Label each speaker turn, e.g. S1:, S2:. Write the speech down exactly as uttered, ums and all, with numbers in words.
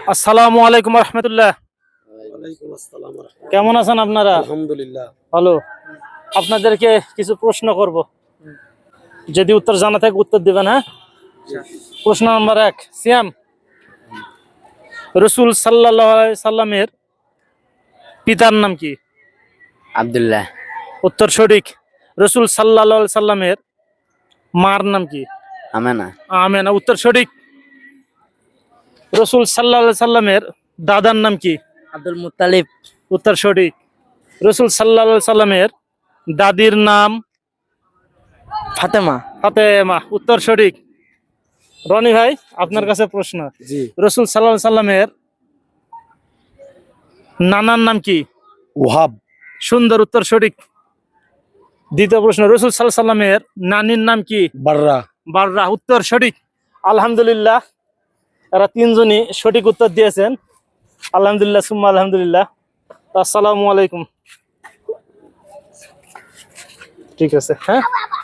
S1: আসসালামু আলাইকুম রহমতুল্লাহ। কেমন আছেন আপনারা?
S2: আলহামদুলিল্লাহ
S1: ভালো। আপনাদেরকে কিছু প্রশ্ন করব, যদি উত্তর জানা থাকে উত্তর দিবেন। হ্যাঁ, প্রশ্ন নাম্বার এক, সিয়াম রসুল সাল্লাল্লাহু আলাইহি সাল্লামের পিতার নাম কি?
S3: আব্দুল্লাহ।
S1: উত্তর সঠিক। রসুল সাল্লাল্লাহু আলাইহি সাল্লামের মার নাম কি?
S3: আমেনা।
S1: আমেনা, উত্তর সঠিক। রসুল সাল্লাল্লাহু আলাইহি সাল্লামের দাদার নাম কি?
S3: আব্দুল মুত্তালিব।
S1: উত্তর সঠিক। রসুল সাল্লাল্লাহু আলাইহি সাল্লামের দাদির নাম?
S3: ফাতেমা।
S1: ফাতেমা, উত্তর সঠিক। রনি ভাই, আপনার কাছে প্রশ্ন।
S2: জি।
S1: রসুল সাল্লাল্লাহু আলাইহি সাল্লামের নানার নাম কি?
S2: ওহাব।
S1: সুন্দর, উত্তর সঠিক। দ্বিতীয় প্রশ্ন, রসুল সাল্লাল্লাহু আলাইহি সাল্লামের নানির নাম কি?
S2: বাররা।
S1: বাররা, উত্তর সঠিক। আলহামদুলিল্লাহ, এরা তিনজনই সঠিক উত্তর দিয়েছেন। আলহামদুলিল্লাহ সুম্মা আলহামদুলিল্লাহ। আসসালামু আলাইকুম। ঠিক আছে, হ্যাঁ।